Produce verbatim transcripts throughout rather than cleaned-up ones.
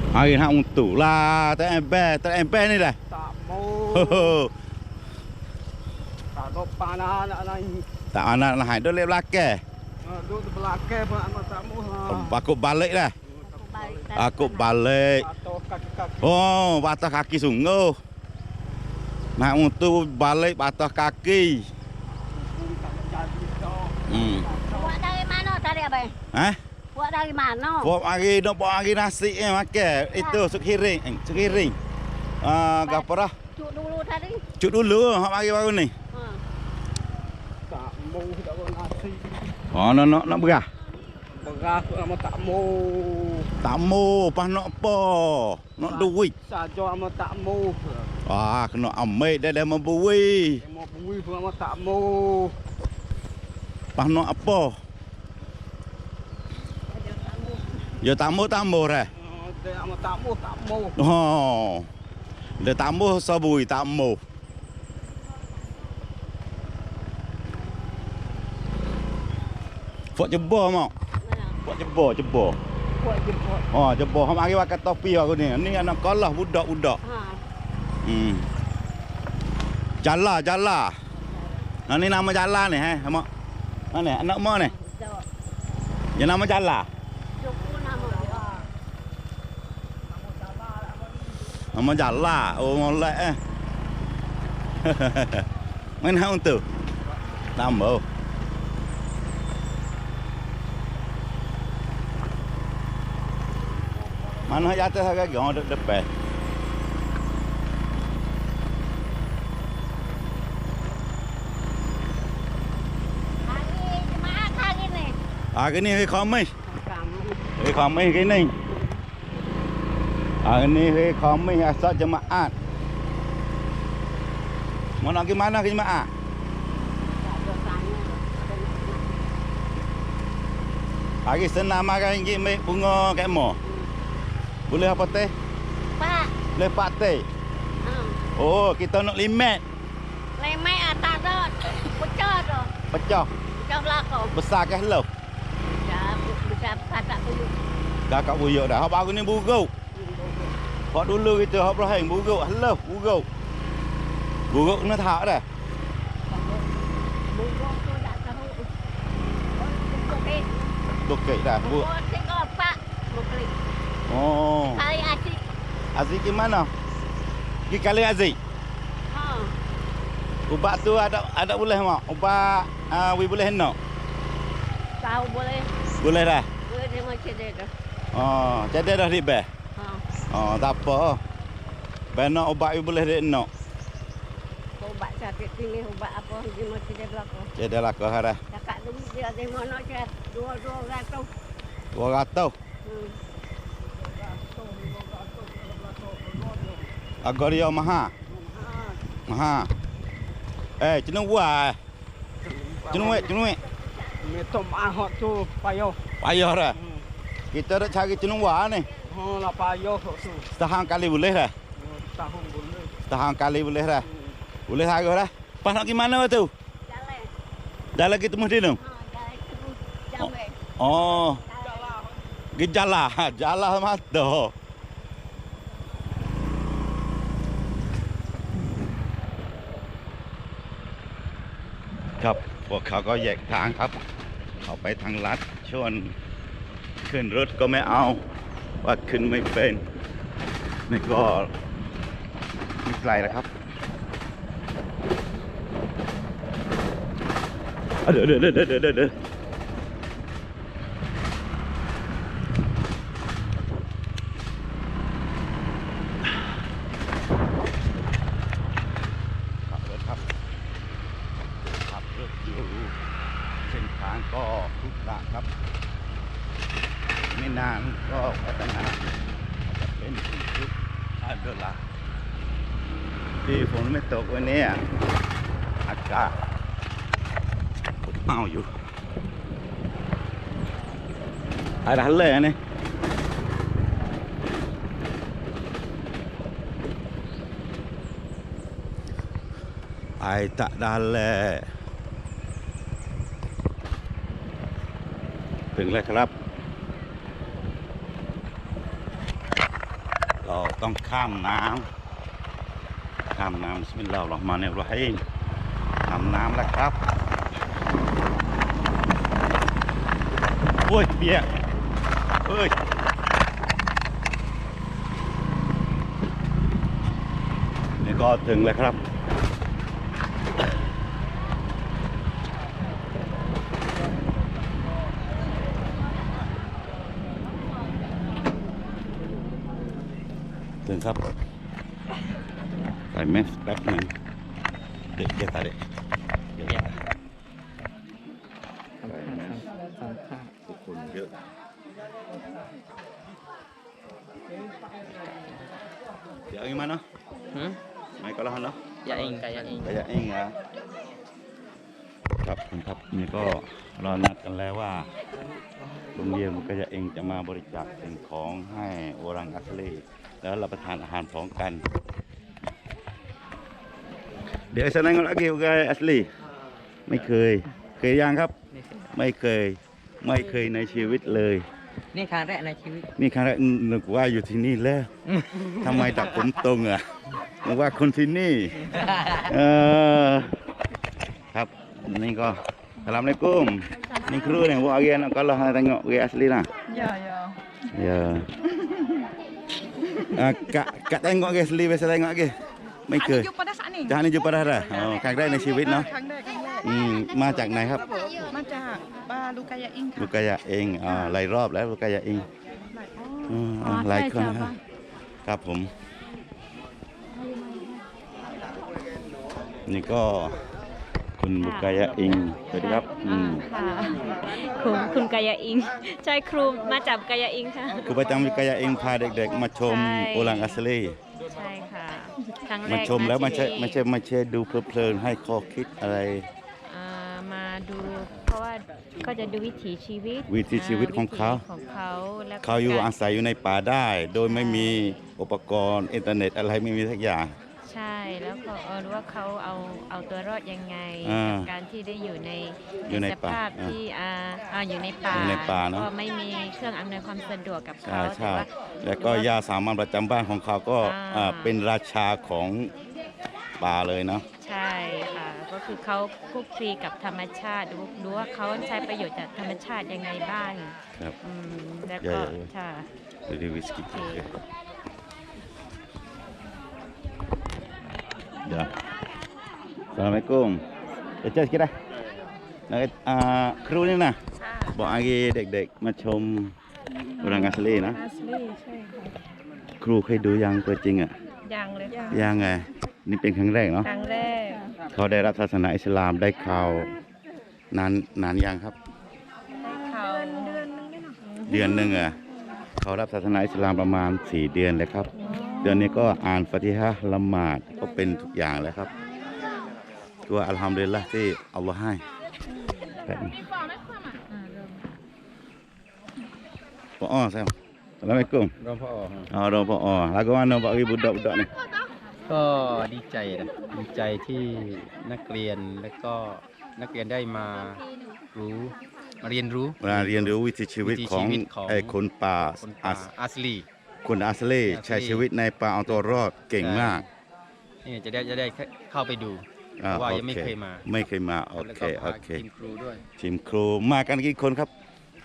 Hari nak untuk lah, tak ember, tak ember ni dah. Tak mau. Tak ada panah nak naik. Tak anak nak hai, duk lek belakang. Duduk di belakang pun amat tak mau lah. Aku balik dah. Aku balik. Patuh kaki-kaki. Oh, patah kaki sungguh. Nak untuk balik patah kaki. Hmm. Buat dari mana tadi abang? Hah? Buat dari mana? Buat hari nak buat hari nasi eh makan. Itu sup hiring, eh, sup hiring. Ah, gapo dah? Cuk dulu tadi. Cuk dulu hak mari baru ni. Ha. Tak mau tak mau nasi. Oh, nak nak nak berah. Beras pun amat tak mau. Tak mau, pas nak apa? Nak duit. Saja amat tak mau. Ah, kena ambil dah dah membui. Mau bui pun amat tak mau. Pas nak apa? Ya tamu tamu dah. Dia amat tak mau, tak mau. Oh. Dia tamu sabui tamu. Fok jebor mak. Fok jebor, jebor. Buat jemput. Oh, jebor. Hak mari pakai topi aku ni. Ni anak kalah budak-budak. Ha. Hmm. Jala, jala. Nah, ni nama jala ni, eh, mak. Mana anak mak ni? Yang nama jala. Cukup nama dia. Nama jala. Oh, molek eh. Mana untuk? Tambah. Mana jatuh harga gong dek depan. Hari Jumaat hari ni. Hari ni hari Khamis. Kamu. Hari Khamis hari ni. Hari ni hari Khamis asal jemaat. Mau nak pergi mana ke jemaat? Tak ada tanya. Hari senam makan ringgit ambil bunga kat mo. Boleh apa teh? Pak. Boleh pak teh. Ha. Oh, kita nak limit. Lemai atas tu. Pecah tu. Pecah. Pecah belakang. Besar ke hello? Dah bisa pasak dulu. Kakak buyuk dah. Hak baru ni buruk. Hak dulu kita hak Ibrahim buruk. Hello, buruk. Buruk kena tak dah. Burung tu tak tahu. Bukit. Bukit dah. Bu. Bukit kau pak. Bukit. Oh. Kali asyik. Aziz ke mana? Pergi kali Aziz. Ha. Ubat tu ada ada boleh mak? Ubat uh, we boleh nak? Tahu boleh. Boleh dah. Boleh dia macam dia tu. Oh, jadi dah di beh. Ha. Oh, tak apa. Benar ubat we boleh dik nak. Ubat sakit pilih ubat apa dia macam dia belakang. Jadi lah kau harah. Cakap dulu dia ada mana cakap dua-dua ratus. dua ratus. Hmm. Agak dia mahal. Ha. Mahal. Eh, cenung buah. Cenung wek, cenung wek. Metom ahok tu payah. Payah dah. Hmm. Kita dah cari cenung buah ni. Ha lah payah tu. Setahun kali boleh dah. Tahun boleh. Setahun kali boleh dah. Boleh harga dah. Pas nak pergi mana tu? Jalan. Dah lagi temu dia tu. Ha, jalan terus jamai. Oh, Jalan. gejala, jala mata.ครับพวกเขาก็แยกทางครับเขาไปทางลัดชวนขึ้นรถก็ไม่เอาว่าขึ้นไม่เป็นนี่ก็ไม่ไกลนะครับเดี๋ยวเดี๋ยวเดี๋ยวเดี๋ยวเดี๋ยวขับรถครับขับรถอยู่เส้นทางก็ขรุขระครับไม่นานก็พัฒนาจะเป็นทุกอันเดละที่ฝนไม่ตกวันนี้อากาศเอาอยู่อะไรเลยนี่ไอตะดันเลยถึงแล้วครับต้องข้ามน้ำข้ามน้ำบิสมิลลาฮิรเราะห์มานิรเราะฮีมข้ามน้ำแล้วครับโอ้ยเปียกเอ้ยนี่ก็ถึงแล้วครับถึงครับใส่แมสแป๊บหนึงเด็กเยอะตาเด็กเยอะแยะใส่แมสทุกคนเยอะเดี๋ยวเอาอีกมาเนาะ Hmm? ไม่ก็แล้วเนาะ Ya ing kayak ing. ก็จะเองเหรอครับผมครับนี่ก็รอนัดกันแล้วว่าโรงเรียนมันก็จะเองจะมาบริจาคสิ่งของให้โอรังอัสลีแล้วรับประทานอาหารพร้อมกันเดี๋ยวsaya nengok lagi orang asli ไม่เคยเคยยังครับไม่เคยไม่เคยในชีวิตเลยนี่ครั้งแรกในชีวิตนี่ครั้งแรกนึกว่าอยู่ที่นี่แล้วทำไมตัดผมตรงอ่ะนึกว่าคนที่นี่เออครับนี่ก็Assalamualaikum ni kru ni buat hari anak kalau hang tengok orang asli lah Ya, ya. ya ah, kak kak tengok orang asli biasa tengok lagi ไม่เคย Jumpa dah saat ni. จานนี้จุปาราดาอ๋อครั้งแรกในชีวิตเนาะครั้งแรกครั้งแรกอืมมาจากไหนครับมาจากบาลูกายาอิงลูค่ะกกายะเองอ่าหลายรอบแล้วลูกกายะเองอ๋ออ่าหลายคนนะครับครับผมนี่ก็คุณบุกกายะเองสวัสดีครับอืมค่ะคุณคุณกายาอิง ใช่ครูมาจากกายาอิงค่ะครูประจำวิกายะเองพาเด็กๆ มาชมใช่โอลังอัสลีใช่ค่ะครั้งแรกมาชมแล้วไม่าใช่ที่ไม่ใช่ไม่ใช่ดูเพลินๆให้ข้อคิดอะไรอ่ามาดูเพราะว่าก็จะดูวิถีชีวิตวิถีชีวิตของเขาวิถีของเขาแล้วก็เขาอยู่กรอาศัยอยู่ในป่าได้ โดยไม่มีอุปกรณ์อินเทอร์เน็ตอะไรไม่มีสักอย่างใช่แล้วก็เออรู้ว่าเขาเอาเอาตัวรอดยังไงอ่ากับการที่ได้อยู่ในอยู่ในสป่าภาพอ่าที่อ่าอ่าอยู่ในป่าอยู่ในป่าเนอะก็ไม่มีเครื่องอำนวยความสะดวกกับใช่เขาใช่แต่ว่าแล้วก็ยาสามัญประจำบ้านของเขาก็อ่าอ่าเป็นราชาของป่าเลยเนาะใช่ค่ะ ก็คือเขาคลุกคลีกับธรรมชาติดูดูว่าเขาใช้ประโยชน์จากธรรมชาติยังไงบ้างครับอืมแล้วใหญ่ก็เลยใช่ดูวิสกี้โอเคเดี๋ยว Assalamualaikum เดี๋ยวเจอกันนะแล้วอ่าครูนี่นะบอกอากีเด็กๆมาชมโอรังอัสลีนะอาสลีใช่ค่ะครูเคยดูยังตัวจริงอ่ะยังเลยค่ะยังไงนี่เป็นครั้งแรกเนาะครั้งแรกเขาได้รับศาสนาอิสลามได้ข่าวนานนานยังครับได้เขาเดือนนึงเดือนหนึ่งอ่ะเขารับศาสนาอิสลามประมาณสี่เดือนเลยครับ เดือนนี้ก็อ่านฟาติฮะห์ละหมาดก็เป็นทุกอย่างแล้วครับตัวอัลฮัมดุลิลละห์ที่อัลลอฮ์ให้แบบนี้ปออ้อแซมอัสลามุอะลัยกุมรองพ่ออ๋อรอปออ้อแล้วก็ว่าน้องบอกอีบุดดอกบุดดอกนี่ก็ดีใจนะดีใจที่นักเรียนและก็นักเรียนได้มารู้มาเรียนรู้เวลาเรียนรู้วิถีชีวิตของวิถีชีวิตของไอ้คนป่าคนป่าอัสอาสลีคนอัสลีใช้ชีวิตในป่าเอาตัวรอดเก่งมากนี่จะได้จะได้เข้าไปดูเพอ่าราะว่าโอยังไม่เคเคยมาไม่เคยมาโอแล้วเคก็โอพาเคทีมครูด้วยทีมครูมากันกี่คนครับ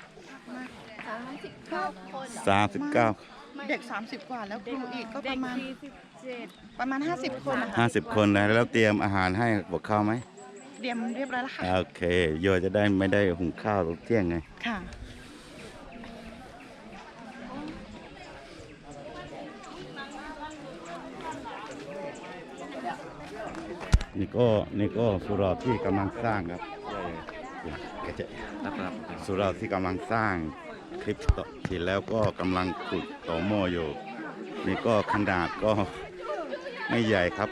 สามสิบเก้าเด็ก สามสิบ กว่าแล้วครูอีกก็ประมาณประมาณ ห้าสิบ คนนะคะห้าสิบคนนะแล้วเตรียมอาหารให้พวกเขาไหมเตรียมเรียบร้อยแล้วค่ะโอเคโยจะได้ไม่ได้หุงข้าวตอนเที่ยงไงค่ะนี่ก็นี่ก็สุราที่กำลังสร้างครับกระเจสุราที่กำลังสร้างคลิปต่อที่แล้วก็กำลังขุดต่อหม้ออยู่ นี่ก็ขนาดก็ไม่ใหญ่ครับ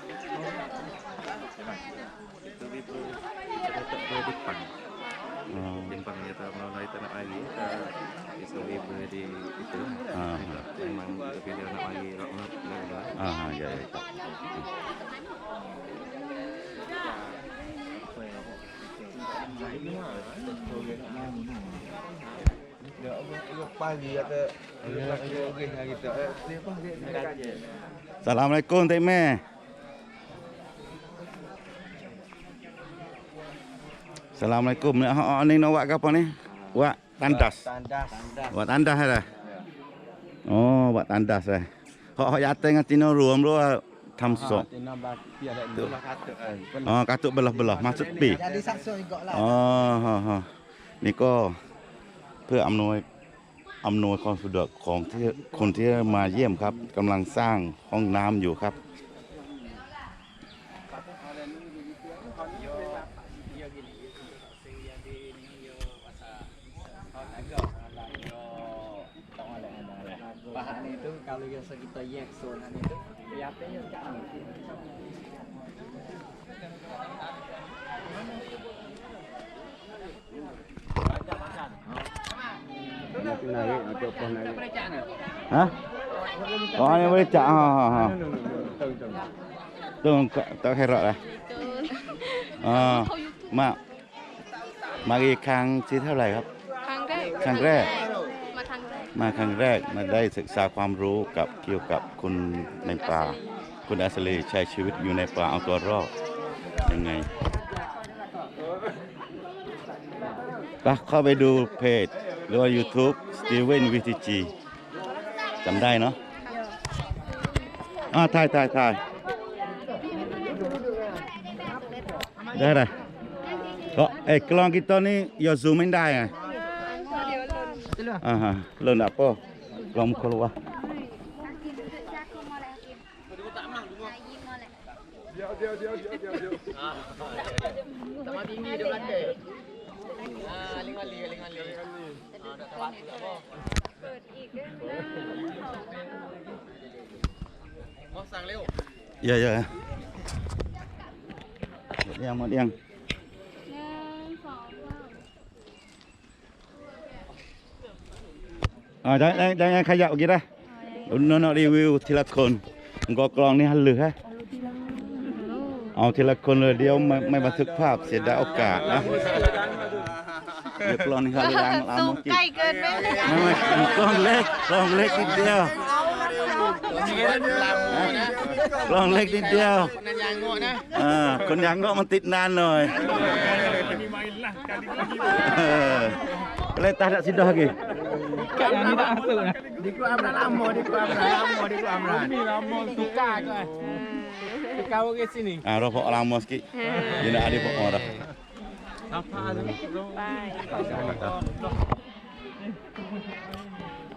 อ๋อ Jepang ya tak melalui tanah air kita bisa weber di itu Ah. memang lebih dari anak air rahmat Allah อ่าใหญ่ครับ pagi kata orang kita eh dia apa dia Assalamualaikum Tek Meh. Assalamualaikum. Ha ni nak buat ke apa ni? Buat tandas. tandas tandas Buat tandas dah. Oh, buat tandas dah. Hak hak yate dengan tino ruam lu tham sok. tena bak pi ada belah kata kan Oh, katuk belah-belah maksud pi. Jadi sakso juga lah. อ๋อฮะฮะนี่ก็เพื่ออำนวยอำนวยความสะดวกของที่คนที่มาเยี่ยมครับกำลังสร้างห้องน้ำอยู่ครับ bahan itu kalau yang kita yak zona itu lihatnya sekarang Hah? Oh, ini boleh cak. Ha ha ha. Tu tak herak lah. Ah, mak. Mariครั้งที่เท่าไหร่ครับครั้งแรกครั้งแรกมาครั้งแรกมาครั้งแรกมาได้ศึกษาความรู้กับเกี่ยวกับคุณในป่า คุณอัศรีใช้ชีวิตอยู่ในป่าเอาตัวรอดยังไงก็เข้าไปดูเพจหรือว่า YouTube Steven วี ที จี จำได้เนาะอ่าถ่ายถ่ายถ่ายได้เลยก็เอกลองkita ni ya zoom ไม่ได้ไงอ่าฮะเลินapa ลองkeluar ya yaหมดยังหมดยังอ่าได้ได้ได้ยังขยับกี่ได้น้องๆรีวิวทีละคนก็กลองนี่หันหรือฮะเอาทีละคนเลยเดียวไม่ไม่บันทึกภาพเสียดายโอกาสนะเดี๋ยวกลองนี่หันหรือยังเอามากินใกล้เกินไปเลยไม่ไม่กลองเล็กกลองเล็กนิดเดียวกลองเล็กนิดเดียวอ่าคนยังก็มันติดนานหน่อยเออเลยtak ada sidah lagi Kat yang ni tak masuk lah. di keluar amran lama di keluar amran lama di keluar amran Ni lama tukar tu kan. Tukar orang sini. ah rokok lama sikit dia nak ada pokok dah Apa tu? ไป